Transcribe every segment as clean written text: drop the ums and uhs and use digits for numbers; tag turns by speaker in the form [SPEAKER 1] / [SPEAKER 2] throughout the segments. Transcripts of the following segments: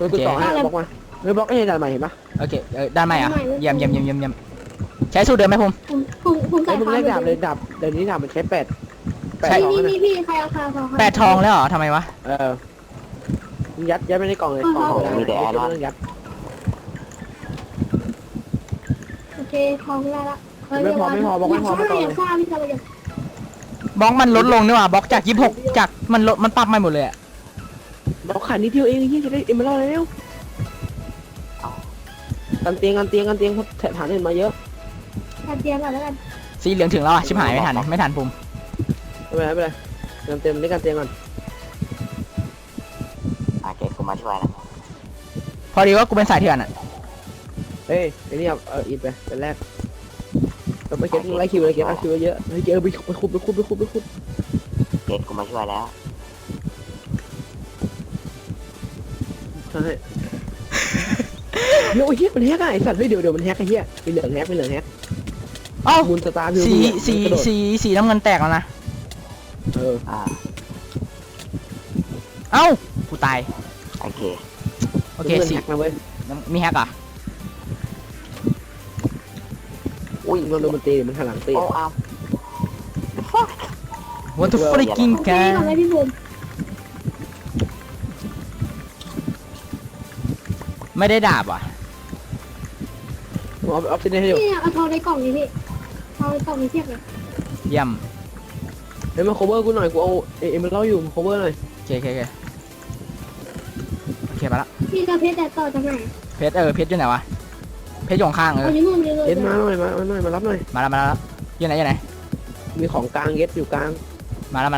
[SPEAKER 1] กูต่อให้บล็อกมาไม่บล็อกให้ด่านใหม่เห็นปะ
[SPEAKER 2] โอเคด้านไหนอ่ะเยี่ยมใช้สูตรเดิมไหมผม
[SPEAKER 3] ผมใส่
[SPEAKER 1] ไอ้มึง
[SPEAKER 3] ผ้า
[SPEAKER 1] เล่นดาบเลยดาบเดี๋ยวนี้ดาบมันใช้แปดทอง
[SPEAKER 3] นี่
[SPEAKER 1] นะ
[SPEAKER 3] พี่ใครเอาคาทอง
[SPEAKER 2] 8 ทองแล้วเหรอทำไมวะ
[SPEAKER 1] มึงยัดไปในกล่องเลยกล่องของมีแต่ไม่ต้องยัด
[SPEAKER 3] โอเคทองได้ละ
[SPEAKER 1] ไม่พอบอกไม่พอไม่พอ
[SPEAKER 3] อย่าซ่าพี่จะไปอย่า
[SPEAKER 2] บล็อกมันลดลงนี่หว่าบล็อกจาก26จากมันลดมันปรับใหม่หมดเลยอะ
[SPEAKER 1] บล็อกขาดนิดเดียวเองยี่จะได้เอ็มเบอร์แล้วกันเตียงฐานเห็นมาเยอะ
[SPEAKER 3] การเตรียมก่อนแล้วกัน
[SPEAKER 2] สีเหลืองถึงแล้วอ่ะชิบหายไม่ทันผม
[SPEAKER 1] ไม่เป็นไรกันเต็มนี่กันเตียงก่อน
[SPEAKER 4] เกตกูมาช่วยนะ
[SPEAKER 2] พอดีว่ากูเป็นสายเถื่อนอ่ะ
[SPEAKER 1] เฮ้ยไอ้นี่เอาอีกไปเป็นแรกเราไปเก็บไล่คิวเลยเก็บคิวเยอะเฮ้ยเจอไปคุบ
[SPEAKER 4] เกตกูมาช่วยแล้ว
[SPEAKER 1] ใช่เดี๋ยวไอ้เหี้ยมันแฮกไอ้สัตว์เฮ้ยเดี๋ยวมันแฮกไอ้เหี้ยเป็นเหลืองแฮก
[SPEAKER 2] เอ้า
[SPEAKER 1] มูลสตาร์พิว
[SPEAKER 2] สีน้ำเงินแตกแล้วนะ
[SPEAKER 4] อ่า
[SPEAKER 2] เอ้ากูตาย
[SPEAKER 4] โอเค
[SPEAKER 2] โอเคสี
[SPEAKER 1] แฮกนะเว้ย
[SPEAKER 2] มีแฮกอ่ะ
[SPEAKER 1] อุ้ยมันโดนมันตีมันหันหลังตี
[SPEAKER 4] โอ้เอา
[SPEAKER 2] What the freaking
[SPEAKER 3] โอเคก่อนเลยพี่บุ๋ม
[SPEAKER 2] ไม่ได้ดาบว่ะ
[SPEAKER 1] ผมเอาออฟซิเดนให้อยู่
[SPEAKER 3] นี่เอาทองในกล่องนี้พี่ทองในกล่องนี้เทียบเลย
[SPEAKER 2] เยี่ยม
[SPEAKER 1] เฮ้ยมา cover กูหน่อยกูเอาเอ็มเล่าอยู่ cover หน่อย
[SPEAKER 2] โอเคไปละ
[SPEAKER 3] พี่จะเพชรแต่ต่อจากไหน
[SPEAKER 2] เพชรอยู่ไหนวะเพชรอยู่ข้าง
[SPEAKER 3] เอาอยู่นู่น
[SPEAKER 1] เอ็ดมาหน่อยมารับหน่อย
[SPEAKER 2] มาแล้วอยู่ไหน
[SPEAKER 1] มีของกลางเย็ดอยู่กลาง
[SPEAKER 2] มาแล้ว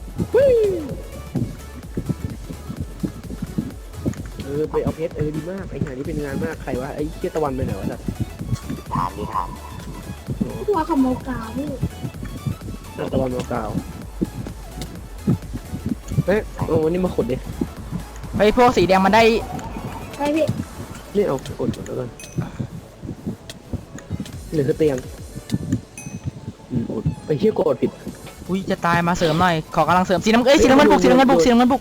[SPEAKER 1] ไปเอาเพชรดีมากไอ้งานนี้เป็นงานมากใครวะไอ้เชี่ยตะวันไปไหนวะสัตว์
[SPEAKER 4] ฐานดีฐาน
[SPEAKER 3] ตัวขโมยกาวพี่
[SPEAKER 1] ตะวันมากาวเฮ้ยวันนี้มาขุดดิ
[SPEAKER 2] ไอ้พวกสีแดงมันได้
[SPEAKER 3] ไปพี่
[SPEAKER 1] นี่เอากดแล้วกันเหลือคือเตียงไปเชี่ยกดผิด
[SPEAKER 2] อุ้ยจะตายมาเสริมหน่อยขอกำลังเสริมสีน้ำเงินบุก
[SPEAKER 1] เดี๋ยวมัน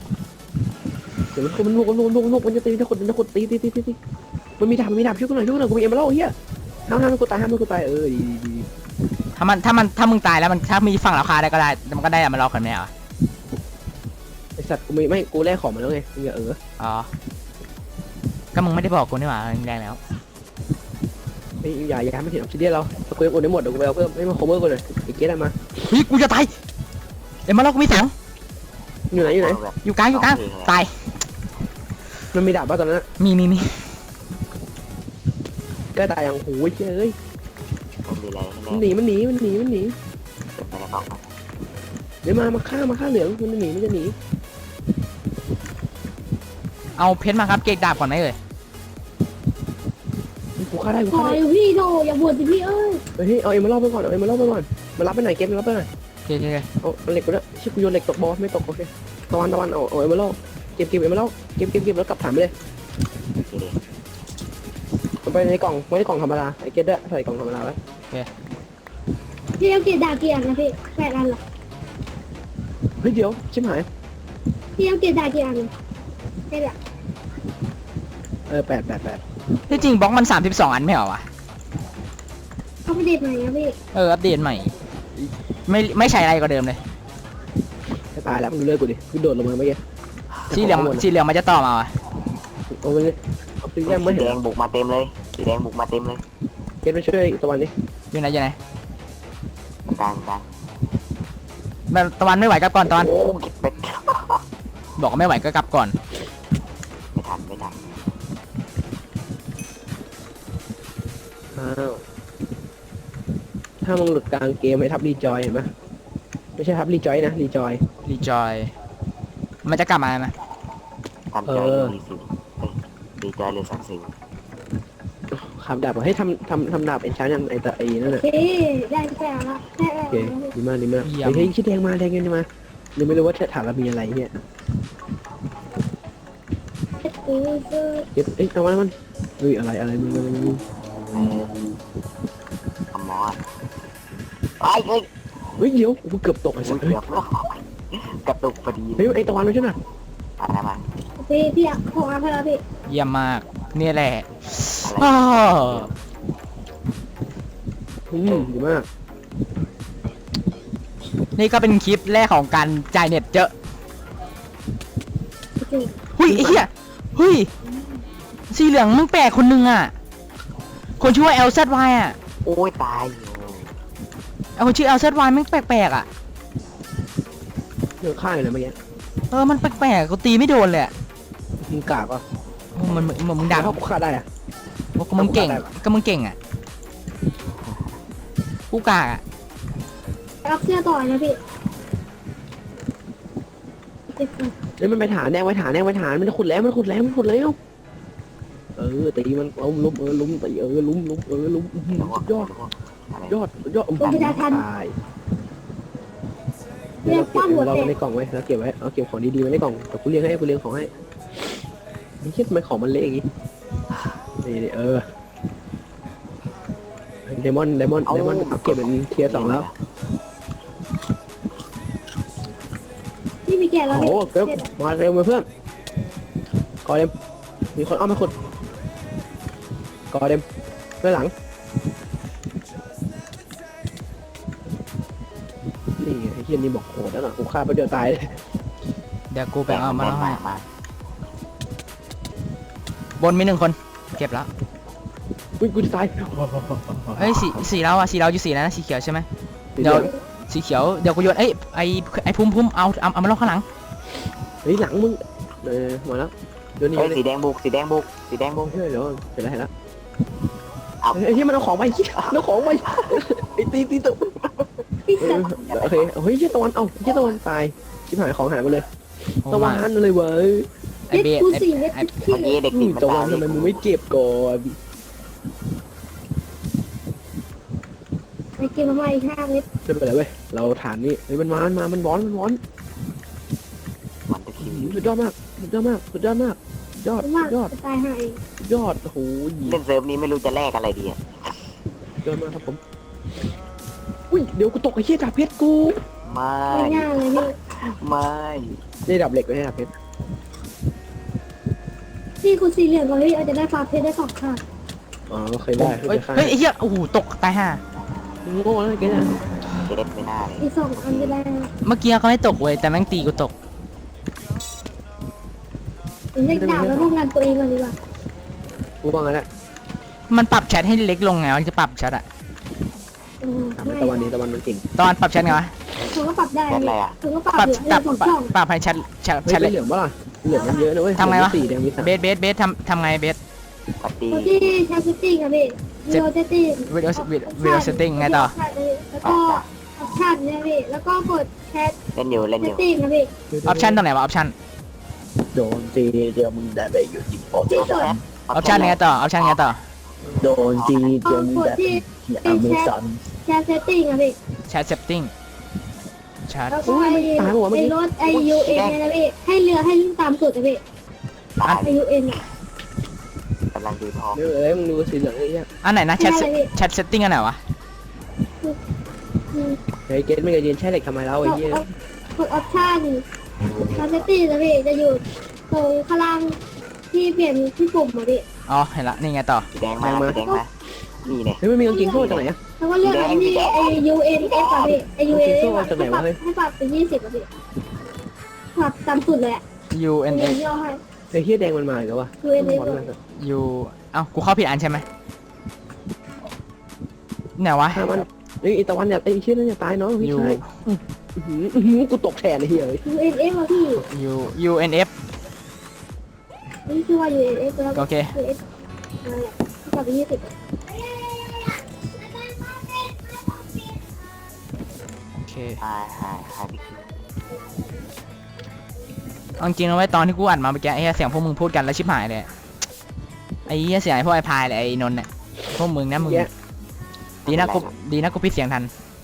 [SPEAKER 1] ลุกมันจะตีจะขุดตีมันมีดาบช่วยกูหน่อยกูมีเอ็มเล่าเฮียห้ามกูตายดี
[SPEAKER 2] ถ้ามึงตายแล้วมันถ้ามีฝั่งราคาได้ก็ได้มันก็ได้อะมันรอคนไม่เอา
[SPEAKER 1] ไอสัตว์กูไม่กูแลกของมาแล้วไงมึงอย่า
[SPEAKER 2] อ๋อก็มึงไม่ได้บอกกูนี่หว่าแรงแล้ว
[SPEAKER 1] อย่าไม่เห็นออฟซิเดียนเราถ้ากูยังโอนได้หมดเดี๋ยวกูไปเอาเพิ่มไม่มา cover กูเลยไอ้เกสได้มา
[SPEAKER 2] เฮ้ยกูจะตายเดี๋ยวมาแล้วกูมีถัง
[SPEAKER 1] อยู่ไหน
[SPEAKER 2] อยู่กลางตาย
[SPEAKER 1] มันมีดาบป่ะตอนนั้น
[SPEAKER 2] มี
[SPEAKER 1] ก็ตายอย่างโหยเอ้ย
[SPEAKER 4] มันมีอะไร
[SPEAKER 1] มันหนี
[SPEAKER 4] ไปในกล่อง
[SPEAKER 1] เดี๋ยวมาฆ่าเหลืองมันจะหนี
[SPEAKER 2] เอาเพชรมาครับเกกดาบก่อนไหมเอ่ย
[SPEAKER 1] กูฆ่าได้
[SPEAKER 3] ขออยู่พี่โธ่อย่าบ่นสิพี่เอ้ย
[SPEAKER 1] เฮ้ยเอาเอ็มมาเล่าไปก่อนมารับไปไหนเกมรับไปหน่อย
[SPEAKER 2] โอเค
[SPEAKER 1] เอาเหล็กกูด้วยชิกูโยนเหล็กตกบอสไม่ตกโอเคตะวันเอาเอ็มมาเล่าเก็บเอ็มมาเล่าเก็บแล้วกลับฐานไปเลย
[SPEAKER 4] โอเคดิ
[SPEAKER 1] ไปในกล่องไว้ในกล่องธรรมดาไอ้เกสด้วยใส่กล่องธรรมดาไว้
[SPEAKER 3] พี่เอาเกียร์ดาเกียร์นะพี่8 อันหรอ
[SPEAKER 1] เฮ้ยเดี๋ยวชิบหาย
[SPEAKER 3] พี่เอาเกียร์ดาเกียร์นะใช่แหละ
[SPEAKER 1] 8
[SPEAKER 2] ที่จริงบล็อกมัน32อันไม่เหรอวะ
[SPEAKER 3] เขาไปเดทใหม่นะพี่
[SPEAKER 2] อัปเดตใหม่ไม่ใช่อะไรก็เดิมเลย
[SPEAKER 1] จะตายแล้วมึงเลิกกูดิกูโดดลงมาเมื่อกี้
[SPEAKER 2] สีเหลืองมันจะต่อมาวะ
[SPEAKER 1] เอาไปเลยเอาไป
[SPEAKER 4] สี
[SPEAKER 1] ย่างไม่
[SPEAKER 4] แด
[SPEAKER 1] เห็น
[SPEAKER 4] งบุกมาเต็มเลยสีแดงบุกมาเต็มเลย
[SPEAKER 1] เกสไปช่วยตะวันดิ
[SPEAKER 2] อยู่ไหน
[SPEAKER 4] กลาง
[SPEAKER 2] แบบตะวันไม่ไหวกลับก่อนตะวัน
[SPEAKER 4] โอ้เก็บเป็ด
[SPEAKER 2] บอกว่าไม่ไหวก็กลับก่อน
[SPEAKER 4] ไม่ทัน
[SPEAKER 1] ถ้ามึงหลุดกลางเกมให้ทับรีจอยเห็นไหมไม่ใช่ทับรีจอยนะรีจอย
[SPEAKER 2] รีจอยมันจะกลับมาไหม
[SPEAKER 4] ทำใจรีสิดีใจเลย30
[SPEAKER 1] ขับดาบให้ทำดาบเป็นชั้นยังไอ้นั่น
[SPEAKER 3] โอ
[SPEAKER 1] น่ะ
[SPEAKER 3] เคได้แค่ละแค่
[SPEAKER 1] โอเคดีมากเฮ้ยคิดแดงมายังไม่รู้ว่าฐานเรามีอะไรเนี่ยเก็บเอามันเฮ้ยอะไรมึง
[SPEAKER 4] คอมมอนเฮ้ย
[SPEAKER 1] เดี๋ยวกูเกือบตกไอ้สัส
[SPEAKER 4] เกือบกระตุกพอดี
[SPEAKER 1] เฮ้ยไอ้ตะวันไม่ใช่น่ะ
[SPEAKER 4] มา
[SPEAKER 3] พี่ของอันพอแล้วพี่
[SPEAKER 2] เยี่ยมมากนี่แหละ
[SPEAKER 4] อะไร
[SPEAKER 2] อ้าว
[SPEAKER 1] ดีมาก
[SPEAKER 2] นี่ก็เป็นคลิปแรกของการจ่ายเน็ตเจอะ
[SPEAKER 3] โอเค
[SPEAKER 2] เฮ้ยไอ้เหี้ยเฮ้ยสีเหลืองมึงแปลกคนนึงอ่ะคนชื่อว่า LZY อ่ะ
[SPEAKER 4] โอ้ยตายอยู่
[SPEAKER 2] ไอ้คนชื่อ LZY แม่งแปลกๆอ่ะ
[SPEAKER 1] เลือกข้างเลยเมื่อกี้
[SPEAKER 2] มันแปลกๆกูตีไม่โดนเลยอะ
[SPEAKER 1] มึงกากอ่ะ
[SPEAKER 2] มึงดัง
[SPEAKER 1] เขาฆ่าได้อ่ะ
[SPEAKER 2] ก็มึงเก่ง
[SPEAKER 1] ได้ปะ
[SPEAKER 2] ก็มึงเก่งอ่ะกูกากอ่ะ
[SPEAKER 3] รับเสื้อต่อนะพี่เก็บก่อน
[SPEAKER 1] เฮ้ยมันไปฐานแนวไว้ฐานมันขุดแล้วตีมันเอาล้มล้มตีล้มล้มยอด
[SPEAKER 4] อะไร
[SPEAKER 1] ยอดตายเดี๋ยวเราเก็บเราไว้ในกล่องไว้เราเก็บไว้เอาเก็บของดีๆไว้ในกล่องแต่กูเลี้ยงของให้ไม่คิดทำไมของมันเละอย่างงี้นี่เดมอนเอาเก็บเป็นเทียร์ 2แล้ว
[SPEAKER 3] พี่มีแกะแล้ว
[SPEAKER 1] โอ้
[SPEAKER 3] พี่
[SPEAKER 1] โหเก็บมาเร็วมาเพื่อนกอเดมมีคนเอามาขุดกอเดมเพื่อนหลังนี่ไอ้เฮียนี่บอกโหดแล้วนะกูฆ่าไปเดียวตายเลย
[SPEAKER 2] เดี๋ยวกูไปเอามาแล้วให้
[SPEAKER 4] มา
[SPEAKER 2] บนมี1 คนเก็บแล้ว
[SPEAKER 1] อุ้ยกูจะตาย
[SPEAKER 2] เอ้ยสีเราอะสีเราอยู่สีแล้วนะสีเขียวใช่ไหมเดี๋ยวสีเขียวเดี๋ยวกูโยนไอ้พุ่มเอามาล็อกข้างหลัง
[SPEAKER 1] เฮ้ยหลังมึงมาแล้วเดี๋ยวนี้
[SPEAKER 4] เฮ้ย
[SPEAKER 1] เลย
[SPEAKER 4] สีแดงบุกเ
[SPEAKER 1] เฮ้ยเดี๋ยวเสร็จแล้ว
[SPEAKER 4] เอา
[SPEAKER 1] ไอ้ที่มันเอาของไปเอาของไปไอ้ตีตก
[SPEAKER 3] พี่สัตว์
[SPEAKER 1] โอเคเฮ้ยเชี่ยตะวันตะวันตายชิบหายของหายไปเลย
[SPEAKER 2] โอ้
[SPEAKER 1] ตะวั
[SPEAKER 2] มาน
[SPEAKER 1] เลยเว้ย
[SPEAKER 2] ไอ้เบส
[SPEAKER 3] กู
[SPEAKER 2] ไอ้
[SPEAKER 3] สี่เม็ด
[SPEAKER 2] ไอ้
[SPEAKER 3] พี่
[SPEAKER 4] เมื่อกี้เด็กติดมัน
[SPEAKER 1] ตะวั
[SPEAKER 4] ตาน ย
[SPEAKER 1] ทำไมมึงไม่เก็บก่อน
[SPEAKER 3] ไปเก็บมาใหม่5 เม็ด
[SPEAKER 1] ไม่เป็นไรเว้ยเราฐานนี้เฮ้ยมันร้อน
[SPEAKER 4] มันจะคิว
[SPEAKER 1] สุดยอดมากยอด
[SPEAKER 3] มาก จะตายหาย
[SPEAKER 1] โอ้โห
[SPEAKER 4] เล่นเซิร์ฟนี้ไม่รู้จะแลกอะไรดีอะ
[SPEAKER 1] ยอดมากครับผมอุ้ยเดี๋ยวกูตกไอ้เชี่ยดาบเพชรกู
[SPEAKER 4] ไม่
[SPEAKER 3] ไม่ง่ายเลยพี่
[SPEAKER 4] ไม่
[SPEAKER 1] ได้ดาบเหล็กไว้ให้ดาบเพชร
[SPEAKER 3] พี่คุณสีเหลืองก่อนพี่อาจจะได้ฟ้าเพชรได้2 ค่ะ
[SPEAKER 1] อ๋อเคยได้เคย
[SPEAKER 2] เฮ้ยไอ้เหี้ยโอ้โหตกตายห่า
[SPEAKER 1] โง่แล้วแกเนี่ย
[SPEAKER 4] เก็บไม่น่าเลย
[SPEAKER 3] อีก2 อันจะได้
[SPEAKER 2] เมื่อกี้เขาไม่ตกเว้ยแต่แม่งตีกูตก
[SPEAKER 3] ผมเล่นดาบแล้วป้องกันตัวเองก่อนดีกว่า
[SPEAKER 1] กูว่างั้นแหละ
[SPEAKER 2] มันปรับแชทให้เล็กลงไงมันจะปรับแชทอะ
[SPEAKER 1] ถามตะวันนี้ตะวันมันเก่ง
[SPEAKER 2] ตอนปรับแชทไงวะ
[SPEAKER 3] ผมก็ปรับได้
[SPEAKER 4] แค่อะไรอะ
[SPEAKER 3] ผมก็ปรับ
[SPEAKER 2] ปรับ
[SPEAKER 3] อยู่
[SPEAKER 2] ปรับ
[SPEAKER 3] ผมช่อง
[SPEAKER 2] ปรับให้แชท
[SPEAKER 1] เฮ้ย
[SPEAKER 2] เล็ก
[SPEAKER 1] เหลืองป่ะล่ะเหลืองมันเยอะนะเว้ย
[SPEAKER 2] ทำไงวะ
[SPEAKER 1] 4แดงมี3
[SPEAKER 2] เบสทำไงเบส
[SPEAKER 4] ปฏิ
[SPEAKER 3] ตัวที่ใช้เซตติ้งครับพี่วิดีโอเซตติ้ง
[SPEAKER 2] วิดีโอเซตติ้งไงต่อ
[SPEAKER 3] แล้วก็ออปชั่นเนี่ยพี่แล้วก็กดแชท
[SPEAKER 4] เล่นอยู่
[SPEAKER 3] เซตติ้งครับพี่
[SPEAKER 2] ออปชั่นตรงไหนวะออปชั่น
[SPEAKER 1] โดนจีเดียวมึงได้ไปอยู่ที่ปอ
[SPEAKER 3] ที่สุด
[SPEAKER 2] ออปชั่นไงต่อออปชั่นไงต่อ
[SPEAKER 1] โดนจีเดียวมึงได้ไปที่อเมซอน
[SPEAKER 3] แชทเซตติ้งครับพี่
[SPEAKER 2] แชทเซตติ้งแชท
[SPEAKER 3] แล้วก็ไอ้รถไอยูเอ็นเนี่ยนะพี่ให้เรือให้วิ่งตามสุดนะพี่
[SPEAKER 4] ตาย
[SPEAKER 3] ไอยูเอ็นอ่ะ
[SPEAKER 4] กำลังดูทอง
[SPEAKER 1] เดี๋ยวมึงดูสีเหลืองไอ้เหี้ย
[SPEAKER 2] อันไหนนะแชทเซตติ้งอันไหนวะ
[SPEAKER 1] เฮ้ยเกตไม่เคยเรียนใช้เหล็กทำไมแล้วไอ้เหี้ย
[SPEAKER 3] กดออปชั่นแชทเซตติ้งนะพี่จะอยู่ตรงข้างล่างที่เปลี่ยนที่ปุ่มมาพี่
[SPEAKER 2] อ๋อเห็นละนี่ไงต่อ
[SPEAKER 4] สีแดงมานี่เนี่ย
[SPEAKER 1] เฮ้ยไม่มีกางเกงโซ่จากไหนอะ
[SPEAKER 3] แล้วก็เลือกไอ้ที่ไอยูเอ็นเอฟอะพี่ไอยูเอ็นเอฟให้ปรับเป็น20อะพี่ปรับตามสุดเลยอะ
[SPEAKER 2] U
[SPEAKER 3] เป็
[SPEAKER 2] N
[SPEAKER 3] น
[SPEAKER 2] X
[SPEAKER 3] ย่อให้
[SPEAKER 1] ไอ้เหี้ยแดงมันมาอีกแล้ววะ
[SPEAKER 3] ยูเอ็นเอฟ
[SPEAKER 2] U เอ้ากูเข้าผิดอันใช่ไหมไหนวะ
[SPEAKER 1] ถ้ามันเฮ้ยไอ้ตะวันอย่าไอ้เหี้ยนั่นอย่าตายน้องพี่
[SPEAKER 2] U
[SPEAKER 1] ชายกูตกแทนไอ้เหี้ยเลย
[SPEAKER 3] ยูเอ็นเอฟอะพี่
[SPEAKER 2] U N F
[SPEAKER 3] นี่คือว่ายูเอ็นเอฟแล้ว
[SPEAKER 2] โอเค
[SPEAKER 3] ยูเอฟปรับเป็น20
[SPEAKER 2] โอเค
[SPEAKER 4] หายพี่คือ
[SPEAKER 2] เอาจริงนะไว้ยตอนที่กูอัดมาเมื่อกี้ไอ้เหี้ยเสียงพวกมึงพูดกันแล้วชิบหายเลยไอ้เหี้ยเสียงไอ้พวกไอ้พายเลยไอ้นนท์เนี่ยพวกมึงนะมึงดีนะกูปิดเสียงทัน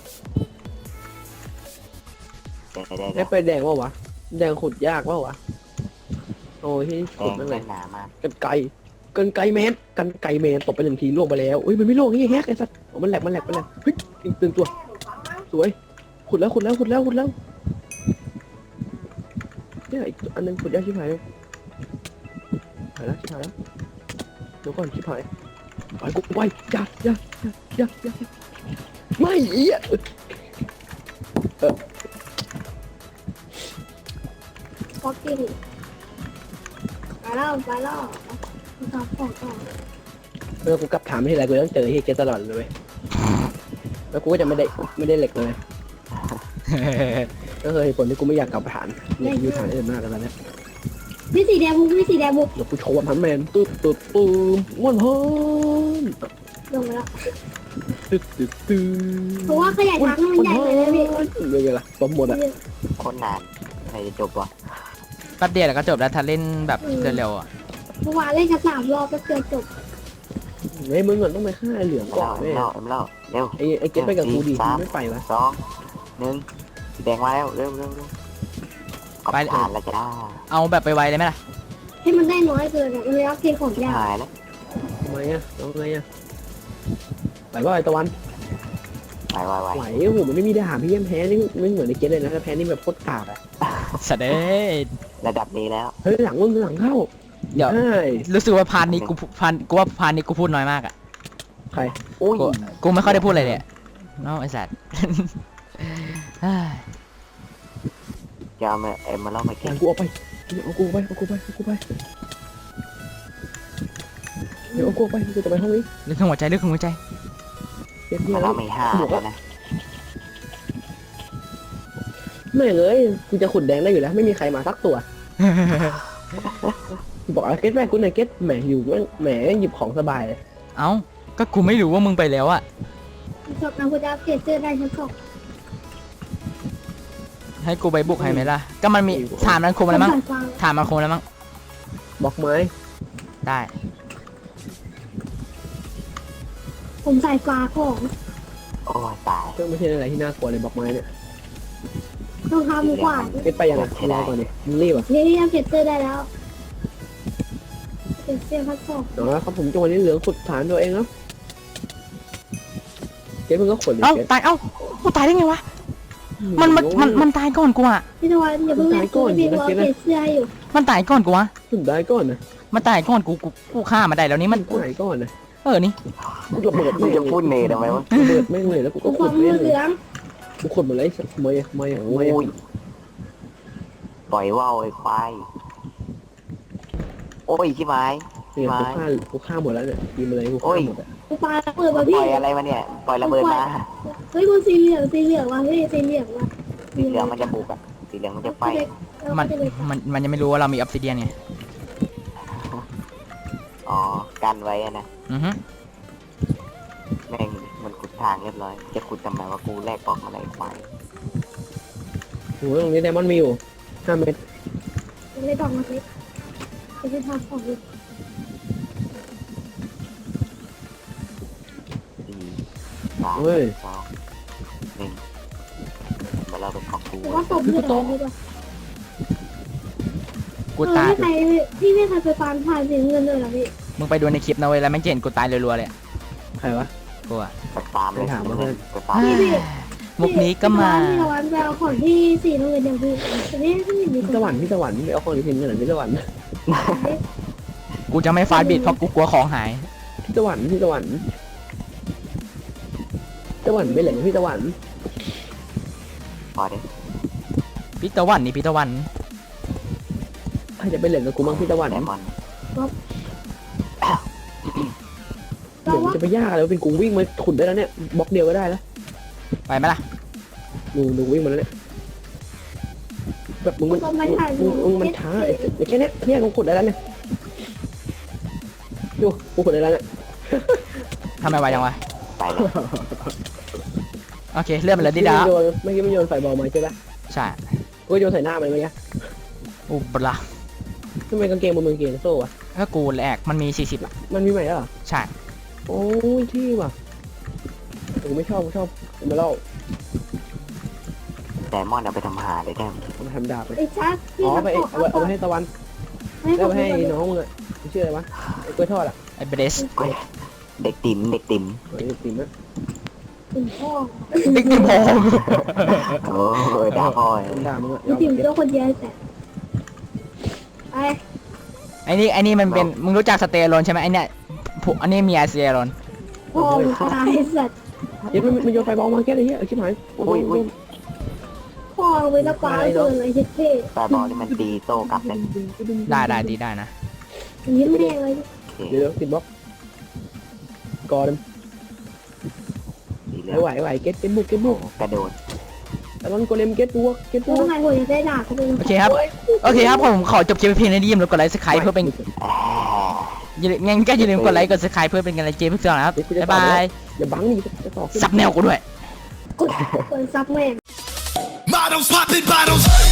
[SPEAKER 1] ได้ไปแดงวะแดงขุดยากวะโอ้ยที่
[SPEAKER 4] แด
[SPEAKER 1] ขุด
[SPEAKER 4] ง
[SPEAKER 1] นั่นเล
[SPEAKER 4] เล่
[SPEAKER 1] ย
[SPEAKER 4] นหนามาก
[SPEAKER 1] กันไกลแมนตบไป1 ทีล่วงไปแล้วอุ้ยมันไม่ล่วงนี่แฮกไอ้สัสมันแหลกเฮ้ยตื่นตัวสวยขุดแล้วเนี่ยอีกอันนึงขุดยากชิบหายเลยายแล้วชิบหายแล้วเดี๋ยวก่อนชิบหายไปกูไปอย่าไม่เอี้ย
[SPEAKER 3] ป๊อกกี้ไปแล้วทำของต่อ
[SPEAKER 1] กูกลับถามที่ไรกูต้องเจอที่เกตตลอดเลยเว้ยแล้วกูก็จะไม่ได้เหล็กเลยก็คือเหตุผลที่กูไม่อยากกลับฐานเนี่ยอยู่ฐานอื่นมากแล้วเนี่ย
[SPEAKER 3] พี่สีแดงบุก
[SPEAKER 1] เดี๋ยวกูโชว์พันแมนตึ๊บม้วนเพิ่ม
[SPEAKER 3] ลงไปแล้ว
[SPEAKER 1] ตึ๊บ
[SPEAKER 3] เพราะว่าขยายทางให้มันใหญ่เลยนะพี่
[SPEAKER 1] เรื่องอะไรล่ะสมหมดอ่ะ
[SPEAKER 4] โคตรนานใครจะจบวะ
[SPEAKER 2] แป๊บเดียวแล้วก็จบแล้วถ้าเล่นแบบเร็วๆอ่ะ
[SPEAKER 3] เมื่อวานเล่นกัน3 รอบก็เกือบจบ
[SPEAKER 1] ไอ้มึงก่อนต้องไปฆ่าเหลืองก่อน
[SPEAKER 4] เล่า
[SPEAKER 1] แม่
[SPEAKER 4] เล่าเร็ว
[SPEAKER 1] ไอ้เกตไปกับกูดิไม่ไปวะ
[SPEAKER 4] 2 1สีแดงมาแล้วเร็วกลับฐานแล้วจ้า
[SPEAKER 2] เอาแบบไปไวเลยไหมล่ะ
[SPEAKER 3] ให้มันได้น้อยเกินอ่ะมันเลยเอาเกมของยาก
[SPEAKER 4] หายแล้ว
[SPEAKER 1] ทำไมอ่ะเอาไงอ่ะไหวป่ะไอ้ตะวัน
[SPEAKER 4] ไหว
[SPEAKER 1] ไหวโอ้โหมันไม่มีดาบพี่ยังแพ้นี่ไม่เหมือนในเกตเลยนะถ้าแพ้นี่แบบโคตรกากอ่ะ
[SPEAKER 2] สเดย์
[SPEAKER 4] ระดับนี้แล้ว
[SPEAKER 1] เฮ้ยหลังมึงหลังเข้า
[SPEAKER 2] เดี๋ยว
[SPEAKER 1] ใช่
[SPEAKER 2] รู้สึกว่าพาร์ทนี้กูว่าพาร์ทนี้กูพูดน้อยมากอ่ะ
[SPEAKER 1] ใคร
[SPEAKER 4] อุ้ย
[SPEAKER 2] กูไม่ค่อยได้พูดอะไรเลยน้องไอ้สัตว์
[SPEAKER 4] จะเอามาเล่ามา
[SPEAKER 1] แก
[SPEAKER 4] เก็บ
[SPEAKER 1] กูเอาไปเอากูไปเดี๋ยวเอากูไปกูจะไปห้องนี้
[SPEAKER 2] เรื่องหัวใจเรื่องหัวใจ
[SPEAKER 1] เกตที่
[SPEAKER 4] มา
[SPEAKER 1] แล้
[SPEAKER 4] เล่าว ไม่ห้าแล้วนะ
[SPEAKER 1] ไม่เลยกูจะขุดแดงได้อยู่แล้วไม่มีใครมาสักตัวบอกเกตแม่กูหน่อยเกตแหมอยู่แหมหยิบของสบายเลย
[SPEAKER 2] เอ้าก็กูไม่รู้ว่ามึงไปแล้วอ่ะ
[SPEAKER 3] จบนะคุณจะอัปเกรดเสื้อได้ชั้น 2
[SPEAKER 2] ให้กูไปบุกให้ไหมล่ะก็มันมีฐานมันคมอะไรมั้ง
[SPEAKER 3] สายฟ้า
[SPEAKER 2] ฐานมันคมอะไรมั้ง
[SPEAKER 1] บอกไม้
[SPEAKER 2] ได้
[SPEAKER 3] ผมสายฟ้าของ
[SPEAKER 4] โอ้ยตาย
[SPEAKER 1] ก็ไม่ใช่อะไรที่น่ากลัวเลยบอกไม้เนี่ย
[SPEAKER 3] ต้องทำกว่า
[SPEAKER 1] เกตไปยังไงรอก่อนดิมึงรีบอ่ะ
[SPEAKER 3] นี่อัปเกรดเสื้อได้แล้วเกรดเสื้อชั้น 2
[SPEAKER 1] เนาะครับผมจังหวะนี้เหลืองขุดฐานตัวเองแล้วเกตมึงก็ขนดิ
[SPEAKER 2] เอ้า
[SPEAKER 1] เกต
[SPEAKER 2] ตายเอ้ากูตายได้ไงวะมันตายก่อนกูอ่ะ
[SPEAKER 3] พี่ตะวันอย่าเพิ่งเล่นตัวพี่กูอัปเกรดเสื้อให้อยู่
[SPEAKER 2] มันตายก่อนกูวะ
[SPEAKER 1] ขุดได้ก่อนนะ
[SPEAKER 2] มันตายก่อนกูฆ่ามาได้แล้วนี่มัน
[SPEAKER 1] กูหายก่อนนะ
[SPEAKER 2] นี่
[SPEAKER 1] กูระเบิด
[SPEAKER 4] มึงจะพูดเนทำไมวะ
[SPEAKER 1] ระเบิดแม่งเลยแล้วกู
[SPEAKER 3] กู
[SPEAKER 1] ก็
[SPEAKER 3] ค
[SPEAKER 1] ขุ
[SPEAKER 3] วา
[SPEAKER 1] ด
[SPEAKER 3] ม
[SPEAKER 1] แม่
[SPEAKER 3] มื
[SPEAKER 1] ง
[SPEAKER 3] อ
[SPEAKER 1] เล
[SPEAKER 3] เห
[SPEAKER 1] ย
[SPEAKER 3] ลือง
[SPEAKER 1] กูขุดหมดเลยเมย์
[SPEAKER 4] โอ้ยปล่อยว่าวไอ้ควายโอ้ยชิบหาย
[SPEAKER 1] เนี่ยกูฆ่าหมดแล้วเนี่ยกินมาเลยกูฆ่าหมดอ่ะ
[SPEAKER 3] กูปาระเบิดมา
[SPEAKER 4] ป
[SPEAKER 3] พี่
[SPEAKER 4] ล่อยอะไรมาเนี่ยปล่อยระเบิดมา
[SPEAKER 3] เฮ้ยกูสีเหลืองว่ะพี่สีเหลืองว่ะ
[SPEAKER 4] สีเหลืองมันจะบุกอ่ะสีเหลืองมันจะไฟ
[SPEAKER 2] มันยังไม่รู้ว่าเรามีออฟซิเดียนไง
[SPEAKER 4] อ๋อกันไว้อะนะ
[SPEAKER 2] อือฮึ
[SPEAKER 4] แม่งมันขุดทางเรียบร้อยจะขุดทำไมว่ากูแลกกล่องอะไรควาย
[SPEAKER 1] โหตรงนี้ไดมอนด์มีอยู่5 เม็ด
[SPEAKER 3] ยังไม่ต้องมาสิจะไปทำของอยู่
[SPEAKER 4] 4 3 2 1มาเราเป็นของกู
[SPEAKER 3] แต่ว่าตบเลือดดีกว่า
[SPEAKER 2] กูตาย
[SPEAKER 3] พี่ไม่เคยไปฟาร์มผ่านสีเงินเลยเหรอพี่
[SPEAKER 2] มึงไปดูในคลิปนะเว้ยแล้วแม่งจะเห็นกูตายรัวๆเลยอะ
[SPEAKER 1] ใครวะ
[SPEAKER 2] กูอะ
[SPEAKER 4] ไปตามเลย
[SPEAKER 1] ไปถามมาเพื่อน
[SPEAKER 4] ไปตาม
[SPEAKER 2] มุกนี้ก็มา
[SPEAKER 3] พี่ตะวันไปเอาของที่สีเงินอย่างพี่แต่นี่พี่มี
[SPEAKER 1] พี่ตะวันไปเอาของที่ทิ้งกันหน่อยพี่ตะวัน
[SPEAKER 2] กูจะไม่ฟาดบิดเพราะกูกลัวของหาย
[SPEAKER 1] พี่ตะวันไปไหนพี่ตะวัน
[SPEAKER 4] พอดิ
[SPEAKER 2] พี่ตะวันนี่พี่ตะวัน
[SPEAKER 1] ใครจะไปเหล่นกับกูบ้างพี่ตะวัน
[SPEAKER 4] แดมอน
[SPEAKER 1] เดี๋ยวจะไปยากอะไรเป็นกูวิ่งมาขุดได้แล้วเนี่ยบล็อกเดียวก็ได้แล้ว
[SPEAKER 2] ไปไหมล่ะ
[SPEAKER 1] ดูวิ่งมาแล้วเนี่ยแบบมึงมันช้าไอ้แค่เนี้ยกูขุดได้แล้วเนี่ยดูกูขุดได้แล้วเนี่ย
[SPEAKER 2] ทำไมไวจังวะ
[SPEAKER 4] ไปเลย
[SPEAKER 2] โอเคเลื่อนไปเลยดิดา
[SPEAKER 1] ไม่โยนไฟบอลมาใช่ปะ
[SPEAKER 2] ใช่
[SPEAKER 1] กูโยนใส่หน้ามันเมื่อกี้
[SPEAKER 2] อุบละ
[SPEAKER 1] ทำไมกางเกงมันเกงโซ่อะ
[SPEAKER 2] ถ้ากูแหลกมันมี40อะ
[SPEAKER 1] มันมีใหม่แล้วเหรอ
[SPEAKER 2] ใช่
[SPEAKER 1] โอ้ยที่ว่ะผมไม่ชอบมาเล่า
[SPEAKER 4] แดมอนเอาไปทำหาเลยแดม
[SPEAKER 1] เอามาทำดาบไป
[SPEAKER 3] ไอ้ชักพี่
[SPEAKER 1] อ๋อ
[SPEAKER 3] ทำ
[SPEAKER 1] ไป
[SPEAKER 3] ของ
[SPEAKER 1] เอาไปให้ตะวันเอาไปให้น้องมึงอะชื่ออะไรวะไอ้กล้วยทอดอะ
[SPEAKER 2] ไอ้เบรส
[SPEAKER 4] เฮ้ยเด็กติ๋ม
[SPEAKER 1] ไอ้ติ๋มอะ
[SPEAKER 3] ถึงพ่อ
[SPEAKER 2] ติ๊กติ๊กพอ
[SPEAKER 4] โอ้ยด่าพ่อย
[SPEAKER 1] ด่ามึงอะ
[SPEAKER 3] ถึงตัวคนเดียวแต่ไป
[SPEAKER 2] ไอ้นี่มันเป็นมึงรู้จักสเตอโรนใช่ไหมไอ้เนี่ยอันนี้มีอาเซียโรน
[SPEAKER 3] โอ้ยตายสัตว์
[SPEAKER 1] เดี๋ยวมันโยนไฟบอลมาแค่อะไรเงี้ยชิบหาย
[SPEAKER 4] อุ้ย
[SPEAKER 3] พ่อไปละปลาเกินเลยเท่
[SPEAKER 4] แต่บอลนี่มันตีโต้กลับเลย
[SPEAKER 2] ได้ดีได้นะ
[SPEAKER 3] ๆยิ้มแม่งเลย
[SPEAKER 1] เดี๋ยวติดบล็อกกอด
[SPEAKER 4] ตีเร็
[SPEAKER 1] ไหวเก็ตบุก
[SPEAKER 4] กระโดด
[SPEAKER 1] แต่มันโกเลมเก็ตบวก
[SPEAKER 3] ทำไมผมจะได้ด่าเขาเป็น
[SPEAKER 2] โอเคครับผมขอจบคลิปเพียงเท่านี้อย่าลืมกดไลค์สไครป์เพื่อเป็นงั้นก็อย่าลืมกดไลค์กดสไครป์เพื่อเป็นกำลังใจเพื่อนนะครับบ๊ายบาย
[SPEAKER 1] อย่าบังนี่จะต่อ
[SPEAKER 2] ซับแนวกูด้วย
[SPEAKER 3] กดซับแม่ง
[SPEAKER 5] Models popping bottles.